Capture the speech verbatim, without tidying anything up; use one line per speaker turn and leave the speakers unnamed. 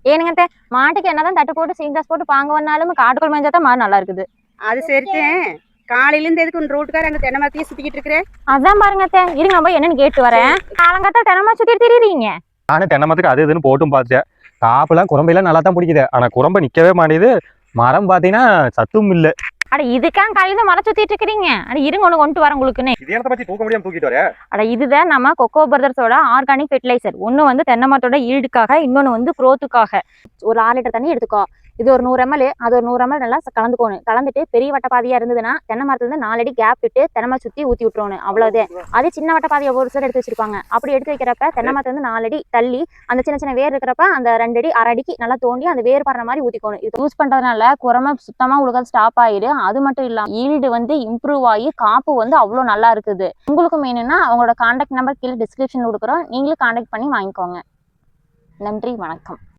ஏனுங்க அத்தை, மாட்டுக்கு என்னதான் தட்டு போட்டு சீங்காஸ் போட்டு பாங்க வந்தாலும் காட்டுக்குள் மேய்ஞ்சா தான் மாடு நல்லா இருக்குது.
அது சரித்தேன். காலையில இருந்து எதுக்கு உன் ரோட்டுக்கார அங்க தென்னை மரத்தையே சுத்திக்கிட்டு இருக்கிறேன்.
அதான் பாருங்க அத்தை, இருங்க நான் போய் என்னன்னு கேட்டு வரேன். காலங்கத்தா தென்னை மரம் சுத்திட்டு திரியுறீங்க.
நானும் தென்னை மரத்துக்கு அது இதுன்னு போட்டும் பார்த்தேன். காப்புலாம் குரம்பையெல்லாம் நல்லா தான் பிடிக்குது. ஆனா குரம்பை நிக்கவே மாட்டேது. மரம் பாத்தீங்கன்னா சத்தும் இல்லை.
அட இதுக்காக காலையில மரம் சுத்திட்டு இருக்கிறீங்க. அட இருங்க ஒண்ணு கொண்டு வர உங்களுக்குன்னு.
இது என்னத்தை பத்தி தூக்க முடியாம தூக்கிட்டு வர?
அட இதுதான் நம்ம கொக்கோ பிரதர்ஸோட ஆர்கானிக் ஃபெர்டிலைசர். ஒன்னு வந்து தென்னை மரத்தோட ஈல்டுக்காக, இன்னொன்னு வந்து குரோத்துக்காக. ஒரு ஆறு லிட்டர் தண்ணி எடுத்துக்கோ. இது ஒரு நூறு எம்எல், அது ஒரு நூறு எம்எல் நல்லா கலந்துக்கணும். கலந்துட்டு பெரிய வட்ட பாதியா இருந்ததுன்னா தென்னை மரத்துல இருந்து நாலடி கேப் விட்டு தென்னை மரம் சுத்தி ஊத்தி விட்டுறணும். அவ்வளவுதான். அதே சின்ன வட்ட பாதியை ஒரு சிலர் எடுத்து வச்சிருப்பாங்க. அப்படி எடுத்து வைக்கிறப்ப தென்னை மரத்துல இருந்து நாலடி தள்ளி அந்த சின்ன சின்ன வேர் இருக்கிறப்ப அந்த ரெண்டு அடி அரை அடிக்கு நல்லா தோண்டி அந்த வேர் படுற மாதிரி ஊத்திக்கணும். இது யூஸ் பண்றதுனால குரமை சுத்தமா உலகம் ஸ்டாப் ஆயிடு. அது மட்டும் இல்லாம ஈல்டு வந்து இம்ப்ரூவ் ஆகி காப்பு வந்து அவ்வளவு நல்லா இருக்குது. உங்களுக்கு வேணும்னா அவங்களோட கான்டாக்ட் நம்பர் கீழே டிஸ்கிரிப்ஷன் கொடுக்குறோம். நீங்களும் கான்டாக்ட் பண்ணி வாங்கிக்கோங்க. நன்றி, வணக்கம்.